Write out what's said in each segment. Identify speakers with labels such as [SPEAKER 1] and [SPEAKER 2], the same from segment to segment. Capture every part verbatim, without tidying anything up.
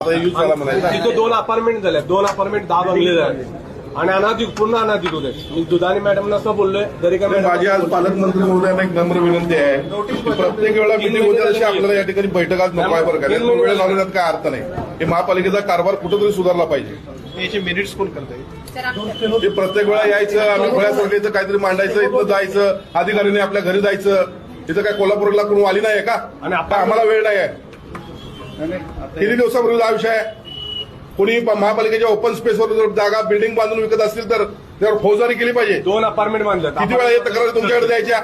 [SPEAKER 1] तिथे दोन अपार्टमेंट झाले, दोन अपार्टमेंट दहा बंगले झाले आणि अनाधिक पूर्ण अनाधिक होते. मी दुधानी मॅडमना असं बोललोय तरी काय
[SPEAKER 2] माझी आज पालकमंत्री महोदयांना एक नम्र विनंती आहे. प्रत्येक वेळेला मिटिंग होते तशी आपल्याला या ठिकाणी बैठक आज नको आहे बरं का. वेळ घालवण्यात काय अर्थ नाही. हे महापालिकेचा कारभार कुठेतरी सुधारला पाहिजे.
[SPEAKER 3] याचे मिनिट्स कोण करताय?
[SPEAKER 2] हे प्रत्येक वेळा यायचं, आम्ही फळ्यासाठी इथं काहीतरी मांडायचं, इथं जायचं, अधिकाऱ्यांनी आपल्या घरी जायचं. इथं काय कोल्हापूरला कोण वाली नाही का? आणि आता आम्हाला वेळ नाही आहे. किती दिवसापूर्वी हा विषय आहे. कोणी महापालिकेच्या ओपन स्पेसवर जर जागा बिल्डिंग बांधून विकत असतील तर त्यावर फौजदारी केली पाहिजे.
[SPEAKER 1] दोन अपार्टमेंट बांधले.
[SPEAKER 2] किती वेळा हे तक्रारी तुमच्याकडे द्यायच्या?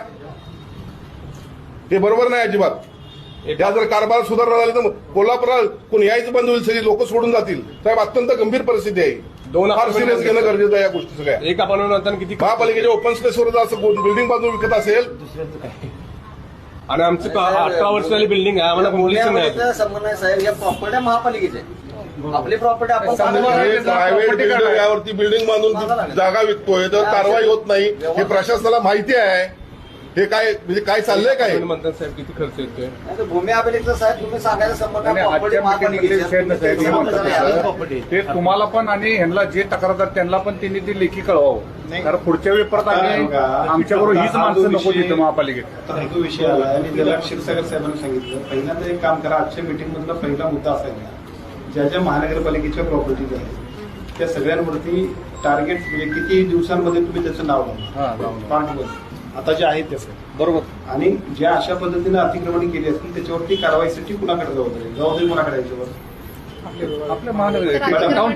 [SPEAKER 2] हे बरोबर नाही अजिबात. त्या जर कारभार सुधारणा झाली तर कोल्हापुरात कोण यायचं बंद होईल, सगळी लोक सोडून जातील. साहेब अत्यंत गंभीर परिस्थिती आहे.
[SPEAKER 1] दोन
[SPEAKER 2] फार सिरियस घेणं गरजेचं आहे या गोष्टी सगळ्या.
[SPEAKER 1] एक अपार्टमेंट किती
[SPEAKER 2] महापालिकेच्या ओपन स्पेसवर जर असं बिल्डिंग बांधून विकत असेल
[SPEAKER 1] आणि आमची अठरा वर्षाची बिल्डिंग आहे, आम्हाला कम्प्लिशन नाही.
[SPEAKER 4] संबंध आहे साहेब, या प्रॉपर्टी महापालिकेचे आपली प्रॉपर्टी आपण
[SPEAKER 2] प्रायव्हेट बिल्डर यावरती बिल्डिंग बांधून जागा विकतोय तर कारवाई होत नाही. हे प्रशासनाला माहिती आहे. हे काय म्हणजे काय चाललंय काय
[SPEAKER 1] म्हणतात साहेब, किती खर्च येतोय.
[SPEAKER 4] भूमी अभिलेखचा साहेब तुम्ही सांगायला संबंध प्रॉपर्टी महापालिकेची
[SPEAKER 5] ते तुम्हाला पण आणि ह्यांना जे तक्रारदार त्यांना पण त्यांनी ती लेखी कळवावं. कारण पुढच्या वेळी परत आम्ही आमच्याबरोबर हीच माणसं नको तिथं महापालिकेत.
[SPEAKER 3] आता जो विषय आला आणि त्याला क्षीरसागर साहेबांनी सांगितलं, पहिल्यांदा एक काम करा. आजच्या मीटिंग मधला पहिला मुद्दा असायला ज्या ज्या महानगरपालिकेच्या प्रॉपर्टीज आहेत त्या सगळ्यांवरती टार्गेट म्हणजे किती दिवसांमध्ये तुम्ही त्याचं नाव लावा पार्टवर आता जे आहेत त्याचं
[SPEAKER 5] बरोबर.
[SPEAKER 3] आणि ज्या अशा पद्धतीने अतिक्रमण केली असतील त्याच्यावरती कारवाईसाठी कुणाकडे जबाबदारी जबाबदारी कुणाकडे याच्यावर
[SPEAKER 5] आपल्या महानगर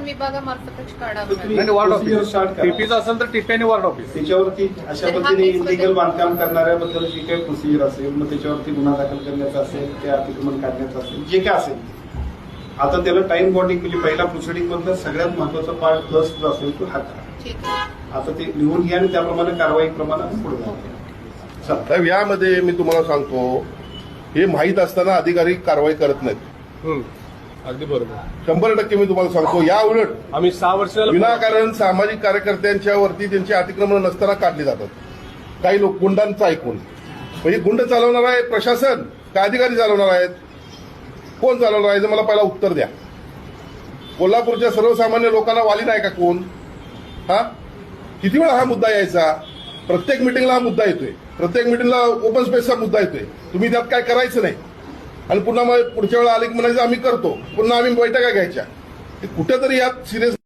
[SPEAKER 5] वार्ड ऑफिस टीपीचं असेल तर टीपी आणि वार्ड ऑफिस
[SPEAKER 3] त्याच्यावरती अशा पद्धतीने इलिगल बांधकाम करणाऱ्याबद्दल जी काही प्रोसिजर असेल मग त्याच्यावरती गुन्हा दाखल करण्याचा असेल ते अतिक्रमण काढण्याचं असेल जे काय असेल आता त्याला टाइम बॉन्डिंग म्हणजे पहिला प्रोसिडिंग मधला सगळ्यात महत्वाचा पार्ट प्लस जो असेल तो हा करा. आता ते लिहून घ्या आणि त्याप्रमाणे कारवाई प्रमाणे पुढे जाऊ.
[SPEAKER 2] साहेब यामध्ये मी तुम्हाला सांगतो हे माहीत असताना अधिकारी कारवाई करत नाहीत.
[SPEAKER 1] अगदी बरोबर,
[SPEAKER 2] शंभर टक्के मी तुम्हाला सांगतो. या उलट
[SPEAKER 1] आम्ही सहा वर्ष
[SPEAKER 2] विनाकारण सामाजिक कार्यकर्त्यांच्या वरती त्यांची अतिक्रमण नसताना काढली जातात. काही लोक गुंडांचं ऐकून. म्हणजे गुंड चालवणार आहे प्रशासन का अधिकारी चालवणार आहेत? कोण चालवणार आहे मला पहिला उत्तर द्या. कोल्हापूरच्या सर्वसामान्य लोकांना वाली नाही का कोण? हा किती वेळा हा मुद्दा यायचा? प्रत्येक मिटिंगला हा मुद्दा येतोय. प्रत्येक मिटिंगला ओपन स्पेसचा मुद्दा येतोय. तुम्ही त्यात काय करायचं नाही आणि पुन्हा पुढच्या वेळा आले की म्हणायचं आम्ही करतो. पुन्हा आम्ही बैठका घ्यायच्या. कुठेतरी यात सिरियस